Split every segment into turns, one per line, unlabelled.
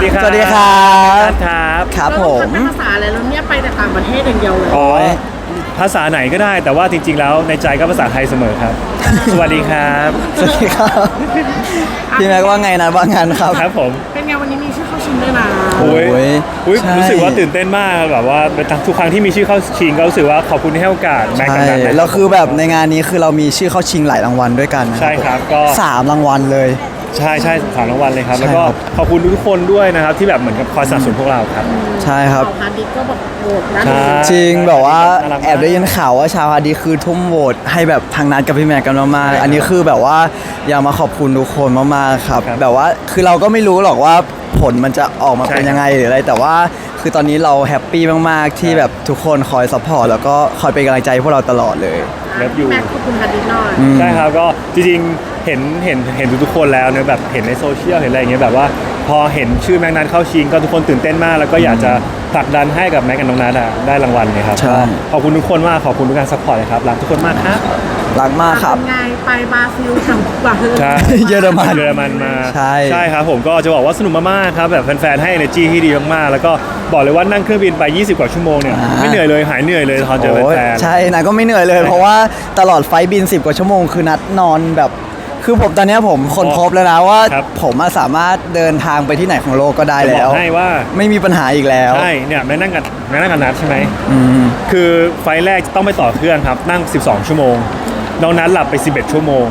ดีครับ
สวัสดีครับ
ครับ
ครับผม
เป็นภาษาอะไรแล้วเนี่ยไปแต่ต่างประเทศอย่างเดียวเลย
อ๋อภาษาไหนก็ได้แต่ว่าจริงๆแล้วในใจก็ภาษาไทยเสมอครับ สวัสดีครับ
สวัสดีครับพี่แม็กว่าไงนะว่างั้นครับ
ครับผม
เป็นไงวันนี้มีชื่อเข้าชิงด้วยนะ
โอ้ย
โอ้ยใช่
รู้สึกว่าตื่นเต้นมากแบบว่าทุกครั้งที่มีชื่อเข้าชิงก็รู้สึกว่าขอบคุณที่ให้โอกาสแม็กกับ
ใช่
นัทนะ
แล้วคือแบบในงานนี้คือเรามีชื่อเข้าชิงหลายรางวัลด้วยกันนะ
ใช่ครับก็
3 รางวัลเลย
ใช่สามรางวัลเลยครับ
ใช่
แล้วก็
ครับ
ขอบคุณทุกคนด้วยนะครับที่แบบเหมือนกับคอยสนับสนุนพวกเราครับ
ใช่ครับ
เอาฮาร์ดดิสก์ก็แบบโหวตนะ
ใช่
จริงแบบว่า
น่ารักมาก
แอบได้ยินข่าวว่าชาวฮาร์ดีคือทุ่มโหวตให้แบบทางนัดกับพี่แม็กกันมาก
ใช่ครับ
ๆอันนี้คือแบบว่าอยากมาขอบคุณทุกคนมากๆครับ
ครับ
แบบว่าคือเราก็ไม่รู้หรอกว่าผลมันจะออกมา
ใช่
เป็นยังไงหรืออะไรแต่ว่าคือตอนนี้เราแฮปปี้มากๆที่
ครับ
แบบทุกคนคอยซัพพอร์ตแล้วก็คอยเป็นกำลังใจให้พวกเราตลอดเลย
เลิฟยู
แม็กขอบคุณฮาร์ดดิสก์หน่อย
ใช่ครับก็จริงๆเห็นทุกๆคนแล้วเนี่ยแบบเห็นในโซเชียลเห็นอะไรอย่างเงี้ยแบบว่าพอเห็นชื่อแม็กนัทเข้าชิงก็ทุกคนตื่นเต้นมาก แล้วก็อยากจะผลักดันให้กับแม็กกับน้องนัทอะได้รางวัลเลยครับ
ใช่
ก็ขอบคุณทุกคนมากขอบคุณทุกการซัพพอร์ตเลยครับรักทุกคนมากครับ
รักมากครับ
เป็นไงไปบราซิลทำบราซิล
ใช่
เยอรมัน
เยอรมันมา
ใช่
ครับผมก็จะบอกว่าสนุกมากๆครับแบบแฟนๆให้ energy ที่ดีมากๆแล้วก็บอกเลยว่านั่งเครื่องบินไป 20 กว่าชั่วโมงเนี่ยไม่เหนื่อยเลยหายเหนื่อยเลยตอนเจอ
โอ้ย
แฟนๆ
ใช่นะก็ไม่เหนื่อยเลย เพราะว่าตลอดไฟล์บิน 10 กว่าชั่วโมงคือนัดนอนแบบคือผมตอนเนี้ยผมคนพบแล้วนะว่า
ครับ
ผมอะสามารถเดินทางไปที่ไหนของโลกก็ได้
จะบ
แล้
อ
ว
กให้ว่า
ไม่มีปัญหาอีกแล้ว
ใช่เนี่ยแม่นั่งกับนัทใช่ไหม
อืม
คือไฟล์แรกต้องไปต่อเครื่องครับ นั่ง 12 ชั่วโมงน้องนัทหลับไป 11 ชั่วโมง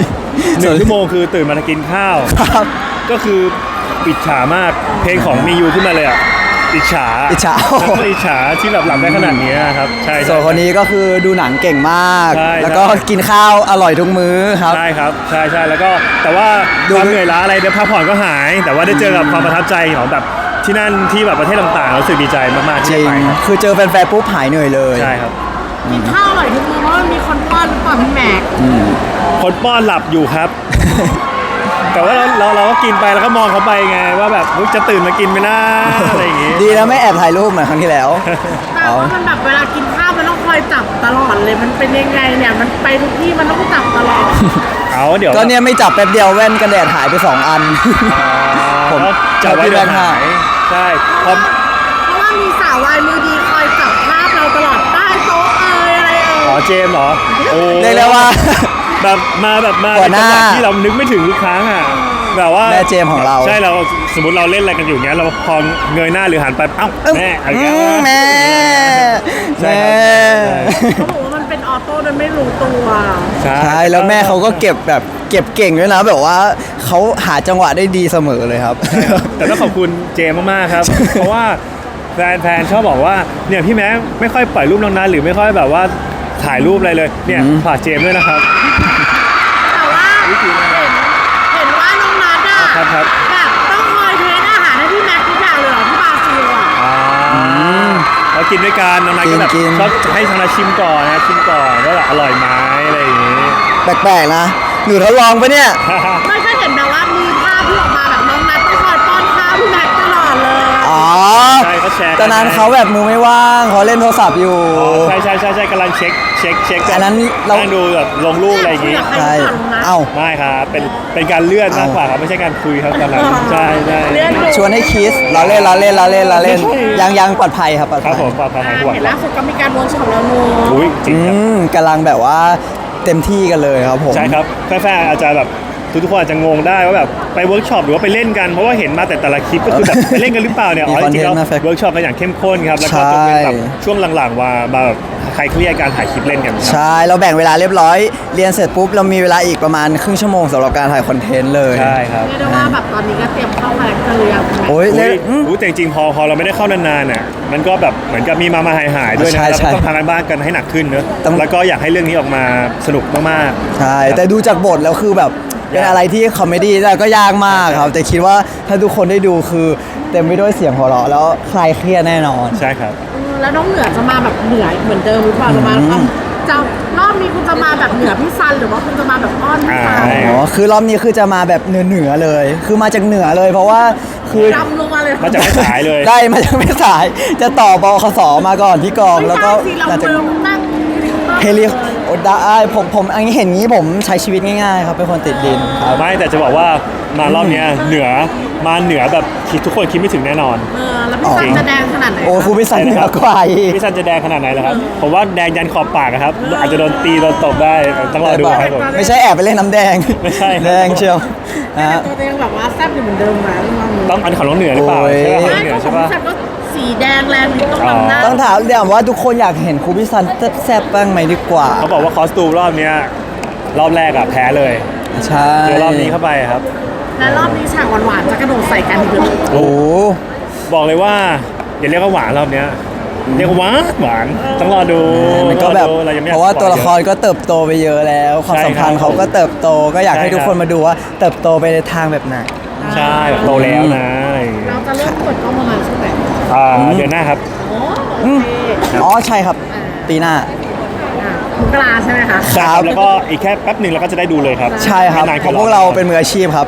1 ชั่วโมงคือตื่นมากินข้าว
ครับ
ก็คืออิจฉามากเพลงของมียูขึ้นมาเลยอ่ะอิจฉา
อิจฉา
แล้วก็อิจฉาที่แบบหลับได้ขนาดนี้ครับใช่
ส่วนคนนี้ก็คือดูหนังเก่งมาก
ใช่
แล้วก็กินข้าวอร่อยทุกมื้อครับ
ใช่ครับใช่แล้วก็แต่ว่า
ดู
ความเหนื่อยล้าอะไรเดี๋ยวพักผ่อนก็หาย แต่ว่าได้เจอกับความประทับใจของแบบที่นั่นที่แบบประเทศต่างๆรู้สึกดีใจมากๆ
จ
ที่
ริ
ได้
ง
ไปครับ
คือเจอแฟนๆปุ๊บหายเหนื่อยเลย
ใช่ครับ
กินข้าวอร่อยทุกมื้อเพราะมันมีคนป้อนหรือเปล่าพี่แม็ก
คนป้อนหลับอยู่ครับ แต่ว่าเราก็กินไปแล้วก็มองเขาไปไงว่าแบบเฮ้ยจะตื่นมากินไหมนะอะไรอย่างงี้
ดีนะไม่แอบถ่ายรูปเหมือนครั้งที่แล้ว
แต่ว่ามันแบบเวลากินข้าวมันต้องคอยจับตลอดเลยมันเป็นยังไงเนี่ยมันไปทุกที่มันต้องจับตลอด
เอาเดี๋ยว
ก็เนี่ยไม่จับแป๊บเดียวแว่นกันแดดหายไป 2 อัน ผม
จับไว้
พี่
เดี๋ยว
แบงค์
หายใช่พอ
เพราะว่ามีสาววายมือดีคอยจับภาพเราตลอดใต้โต๊ะอะไร
อ๋อเจมส์เหรอโอ้
เรียกได้ว่า
แบบมา
หัวหน้า
ในจังหวะที่เรานึกไม่ถึงทุกครั้งอ่ะแบบว่า
แม่เจมส์ของเรา
ใช่เราสมมติเราเล่นอะไรกันอยู่เงี้ยเราพอเงยหน้าหรือหันไปเอ้าแม่อะไรเงี้ย
แม่
ใช่
แม่
ครับ
เขาบอกว่ามันเป็นออโต้โดยไม่รู้ตัว
ใช่
ใช่แล้วแม่เขาก็เก็บแบบเก็บเก่งด้วยนะแบบว่าเขาหาจังหวะได้ดีเสมอเลยครับ
แต่ต้องขอบคุณเจมส์มากๆครับ เพราะว่าแฟนชอบบอกว่าเนี่ยพี่แม็กไม่ค่อยปล่อยรูปน้องนัทหรือไม่ค่อยแบบว่าถ่ายรูปอะไรเลยเนี่ยฝากเจมส์ด้วยนะครับ
แต่ว่าเห็นว่าน้องนัทอะ
ครับ
แบบต้องคอยเทสอาหารให้พี่แม็กทุกอย่างเลยเหรอที่บราซิลอะ
เรากินด้วยกันน้องนัทก็แบบ
กิน
ชอบให้ทางนัทชิมก่อนนะชิมก่อนว่าแบบอร่อยไหมอะไรอย่างงี้
แปลกๆนะหนูทดลองปะเนี่ย
ไม่เคยเห็นแบบว่ามีภาพที่ออกมาแบบน้องนัทต้องคอยป้อนข้าวพี่แม็กตลอดเลย
อ๋อ
ใช่เขาแชร์กั
ตอนนั้นเขาแบบมือไม่ว่างเขาเล่นโทรศัพท์อยู่
อ๋อใช่กำลังเช็ค
อันนั้นเรา
นั่งดูแบบลงรูปอะไรอย่างงี้
ใช่เอ้า
ไม่ครับเป็นการเลื่อนมากกว่าครับไม่ใช่การคุยครับตอนนั้นใช่
เลื่อนดู
ชวนให้คิสเราเล่นยังปลอดภัยครับปลอด
ครั
ภั
บ
ย
ผมปลอดภัยหายห่วง
เห็นล่าสุดก็มีการเวิร์กช็อปแล้วนู
อุ้ยจริงครับ
กำลังแบบว่าเต็มที่กันเลยครับผม
ใช่ครับแฟนๆอาจจะแบบทุกคนอาจจะงงได้ว่าแบบไปเวิร์กช็อปหรือว่าไปเล่นกันเพราะว่าเห็นมาแต่ละคลิปก็คือแบบไปเล่นกันหรือเปล่าเนี่ยอ๋อจริงๆแล้วเวิร์กช็อปกันอย่างเข้มข้นครับแล้วก็จะเป็นแบบช่วงหลังๆมาแบบใครเครียดการถ่ายคลิปเล่นกันครับ
ใช่เราแบ่งเวลาเรียบร้อย เรียนเสร็จปุ๊บเรามีเวลาอีกประมาณครึ่งชั่วโมงสำหรับการถ่ายคอนเทนต์เลย
ใช่ครับ
เรียกได้ว่าแบบตอนนี้ก็เตรียมเข้าคาแรคเตอร์ยัง
โอ้ย
อุ้
เล่
ย
น
แต่จริงๆพอเราไม่ได้เข้านานๆน่ะมันก็แบบเหมือนกับมีมาหายด้วยนะ
ใช่
แล้ว
ใช่
ก็ต้องทำกันบ้านกันให้หนักขึ้นเนอะ
ต้อง
แล้วก็อยากให้เรื่องนี้ออกมาสนุกมากๆ
ใช่แต่ดูจากบทแล้วคือแบบเป็นอะไรที่คอมเมดี้แล้วก็ยากมากครับ แต่คิดว่าถ้าทุกคนได้ดูคือเต็มไปด้วยเสียงหัวเราะแล้วคลายเครียดแน่นอน
ใช่ครับ
แล้วน้องเหนือจะมาแบบเหนือเหมือนเดิมหรือเปล่าจะมาแล้วจะรอบนี้คุณจะมาแบบเหนือพี่ซันหรือว่าคุณจะมาแบบอ้อนพี่ซัน
ใช่
อ๋อคือรอบนี้คือจะมาแบบเหนือเลย คือมาจากเหนือเลย เพราะว่าคือ
ดำลงมาเลย
มาจากแม่สายเลย
ได้มาจากไม่สายจะต่อบคสมาก่อนที่กองแล้วก็
ไม่ใช่สิเรา
หลังจาก
เมืองนั่ง
เฮลิได้ผมอันนี้เห็นงี้ผมใช้ชีวิตง่ายๆครับเป็นคนติดดินครับ
ไม่แต่จะบอกว่ามารอบเนี้ยเหนือมาเหนือแบบคิดทุกคนคิดไม่ถึงแน่นอน
แล้วพี่ซันจะแดงขนาดไหน
โอ้ครูพิสันเหนือกว่าอีก
พี่ซันจะแดงขนาดไหนล่ะครับผมว่าแดงยันขอบปากอะครับอาจจะโดนตีโดนตบได้ต้องรอดูครับผม
ไม่ใช่แอบไปเล่นน้ำแดง
ไม่ใช่
แดงเชียวนะฮะ
ตัวเองแบบว่าแซ่บอยู่เหมือนเดิมไหม
ต้องอันของน้องเหนือหรือเปล่า
โอ้ย
ใช่ป่ะของ
ไม่
น้องเหนื
ก็
อ
ขอ
ใช่
ง
ป่ะ
พี่ซันก็สีแดงแรงนิดต้องนำหน้า
ต้องถามว่าทุกคนอยากเห็นครูพิสันแซ่บบ้างไหมดีกว่า
เขาบอกว่าคอสตูมรอบเนี้ยรอบแรกอะแพ้เลย
ใช่
เจอรอบนี้เข้าไปครับ
และรอบนี้ฉากหวานๆจะกระโดดใส่กันอีกเลย
โอ้
บอกเลยว่าอย่าเรียกว่าหวานรอบเนี้ยเรียกว่าหวานต้องรอดู
มันก็แบบ
เรายังไม่อย
เพ
ก
ราะว่า
สป
ตั
อ
วย ละครก็เติบโตไปเยอะแล้ว ความสัมพันธ์เขาก็เติบโตก็อยากให้ทุกคนมาดูว่าเติบโตไปในทางแบบไหน
ใช่แบบโตแล้วนะอะไรอย่างเงี้ย
เราจะเริ่มเปิดกล้องประมาณช่วงไหน
เดือนหน้าครับ
โอ้โอเค
อ๋อใช่ครับ ปีหน้า
มกราใช่ไหมคะ
ใช่ครับแล้วก็อีกแค่แป๊บหนึ่งเราก็จะได้ดูเลยครับ
ใช่ครับ
ไม่นาน
เพ
กิน
ราะพวกเราเป็นมืออาชีพครับ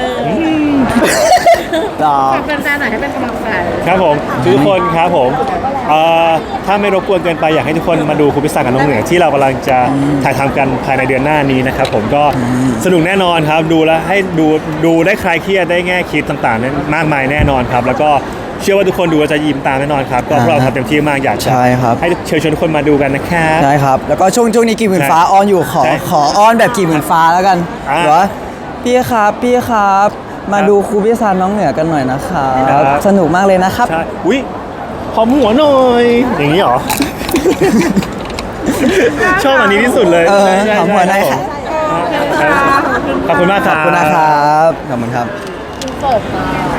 รอ
ฝากแฟนๆหน่อยให้เป็นกำลังใจ
ครับผมทุกคนครับผมถ้าไม่รบกวนเกินไปอยากให้ทุกคนมาดูคุณพิศากับน้องเหนือที่เรากำลังจะถ่ายทำกันภายในเดือนหน้านี้นะครับผมก็สนุกแน่นอนครับดูแล้วให้ดูได้คลายเครียดได้แง่คิดต่างๆนั้นมากมายแน่นอนครับแล้วก็เชื่อว่าทุกคนดูแล้วจะยิ้มตามแน่นอนครับก็พวกเราทำเต็มที่มากอยากจะ
ใช่ครับ
ให้เชิญชวนทุกคนมาดูกันนะครับ
ใช่ครับ แล้วก็ช่วงนี้กี่หมื่นฟ้าออนอยู่ขอ
ใช่
ขอออนแบบกี่หมื่นฟ้าแล้วกัน
อ่า
หรอพี่ครับ มาดูครูพิซานน้องเหนือกันหน่อยนะครับ
ครับ
สนุกมากเลยนะครับ
ใช่อุ้ยหอมหัวหน่อย อย่างนี้เหรอ ชอบอันนี้ที่สุดเลย
เออ
ใช่
หอมหัวหน่อย
ครับ
ค่ะ
ผมขอบคุณมากค
ข
รั
อบบ คุณนะครับขอบคุณครับ
เปิดมา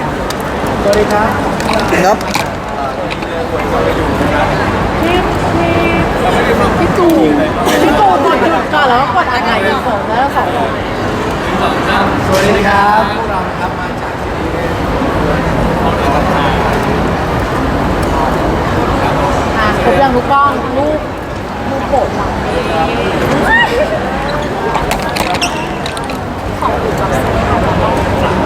ครับ
พี่ตูกดก่อนแล้วก็กดอะไรสองแล้วสอง
สวัสดีครับ
ครบยังทุกกล้องรูปโปรดเราขอบคุณครับ